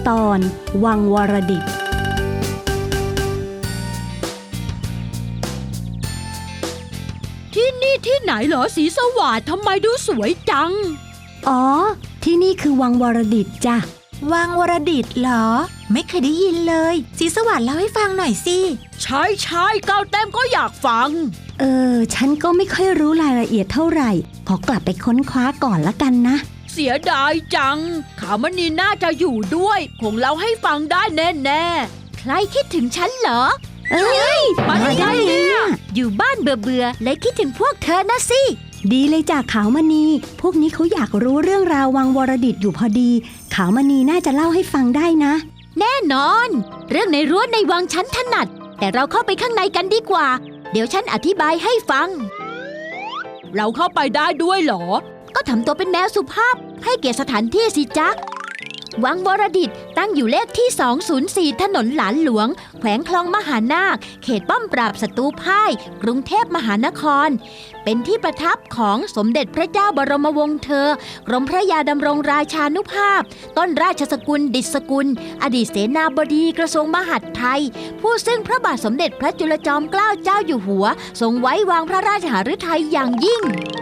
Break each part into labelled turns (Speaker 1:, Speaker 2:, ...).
Speaker 1: ตอนวังวรดิต
Speaker 2: ที่นี่ที่ไหนเหรอสีสวัสดิ์ทำไมดูสวยจัง
Speaker 1: อ๋อที่นี่คือวังวรดิตจ้ะ
Speaker 3: วังวรดิตเหรอไม่เคยได้ยินเลยสีสวัสดิ์เล่าให้ฟังหน่อยสิ
Speaker 2: ใช่ก้าวแต้มก็อยากฟัง
Speaker 1: ฉันก็ไม่ค่อยรู้รายละเอียดเท่าไหร่ขอกลับไปค้นคว้าก่อนละกันนะ
Speaker 2: เสียดายจังขาวมณีน่าจะอยู่ด้วยคงเล่าให้ฟังได้แน่
Speaker 3: ใครคิดถึงฉันเหรอ
Speaker 2: มาได้เนี่ย
Speaker 3: อยู่บ้านเบื่อเลยคิดถึงพวกเธอนะสิ
Speaker 1: ดีเลยจ้ะขาวมณีพวกนี้เขาอยากรู้เรื่องราววังวรดิตอยู่พอดีขาวมณีน่าจะเล่าให้ฟังได้นะ
Speaker 3: แน่นอนเรื่องในรั้วในวังฉันถนัดแต่เราเข้าไปข้างในกันดีกว่าเดี๋ยวฉันอธิบายให้ฟัง
Speaker 2: เราเข้าไปได้ด้วยเหรอ
Speaker 3: ก็ทำตัวเป็นแมวสุภาพให้เกียรติสถานที่สิจ๊ะวังวรดิตตั้งอยู่เลขที่204ถนนหลานหลวงแขวงคลองมหานาคเขตป้อมปราบศัตรูพ่ายกรุงเทพมหานครเป็นที่ประทับของสมเด็จพระเจ้าบรมวงศ์เธอกรมพระยาดำรงราชานุภาพต้นราชสกุลดิษฐกุลอดีตเสนาบดีกระทรวงมหาดไทยผู้ซึ่งพระบาทสมเด็จพระจุลจอมเกล้าเจ้าอยู่หัวทรงไว้วางพระราชหฤทัยอย่างยิ่ง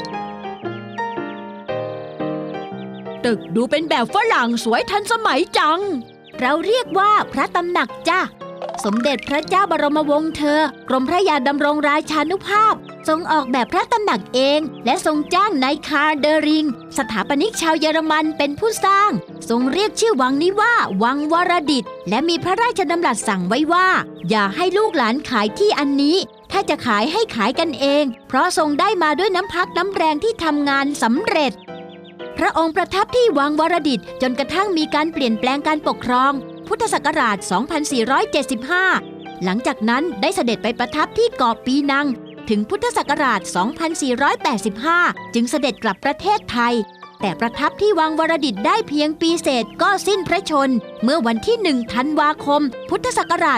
Speaker 2: ตึกดูเป็นแบบฝรั่งสวยทันสมัยจัง
Speaker 3: เราเรียกว่าพระตำหนักจ้ะสมเด็จพระเจ้าบรมวงศ์เธอกรมพระยาดำรงราชานุภาพทรงออกแบบพระตำหนักเองและทรงจ้างนายคาร์เดอริงสถาปนิกชาวเยอรมันเป็นผู้สร้างทรงเรียกชื่อวังนี้ว่าวังวรดิตและมีพระราชดำรัสสั่งไว้ว่าอย่าให้ลูกหลานขายที่อันนี้ถ้าจะขายให้ขายกันเองเพราะทรงได้มาด้วยน้ำพักน้ำแรงที่ทำงานสำเร็จพระองค์ประทับที่วังวรดิตจนกระทั่งมีการเปลี่ยนแปลงการปกครองพุทธศักราช 2475 หลังจากนั้นได้เสด็จไปประทับที่เกาะปีนังถึงพุทธศักราช 2485 จึงเสด็จกลับประเทศไทยแต่ประทับที่วังวรดิตได้เพียงปีเศษก็สิ้นพระชนม์เมื่อวันที่ 1 ธันวาคม พุทธศักราช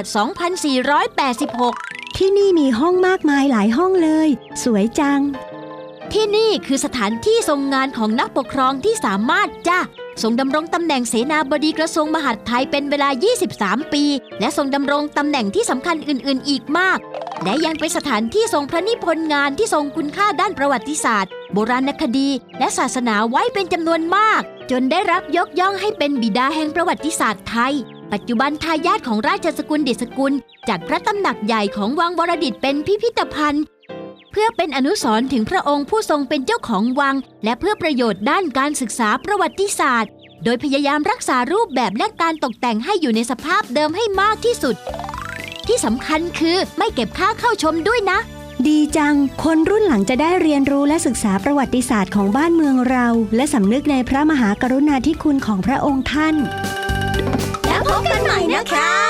Speaker 3: 2486
Speaker 1: ที่นี่มีห้องมากมายหลายห้องเลยสวยจัง
Speaker 3: ที่นี่คือสถานที่ทรงงานของนักปกครองที่สามารถจ้ะทรงดำรงตำแหน่งเสนาบดีกระทรวงมหาดไทยเป็นเวลา 23 ปีและทรงดำรงตำแหน่งที่สำคัญอื่นๆอีกมากและยังเป็นสถานที่ทรงพระนิพนธ์งานที่ทรงคุณค่าด้านประวัติศาสตร์โบราณคดีและศาสนาไว้เป็นจำนวนมากจนได้รับยกย่องให้เป็นบิดาแห่งประวัติศาสตร์ไทยปัจจุบันทายาทของราชสกุลดิษฐกุลจัดพระตำหนักใหญ่ของวังวรดิตเป็นพิพิธภัณฑ์เพื่อเป็นอนุสรณ์ถึงพระองค์ผู้ทรงเป็นเจ้าของวังและเพื่อประโยชน์ด้านการศึกษาประวัติศาสตร์โดยพยายามรักษารูปแบบและการตกแต่งให้อยู่ในสภาพเดิมให้มากที่สุดที่สำคัญคือไม่เก็บค่าเข้าชมด้วยนะ
Speaker 1: ดีจังคนรุ่นหลังจะได้เรียนรู้และศึกษาประวัติศาสตร์ของบ้านเมืองเราและสำนึกในพระมหากรุณาธิคุณของพระองค์ท่าน
Speaker 3: แล้วพบกันใหม่นะคะ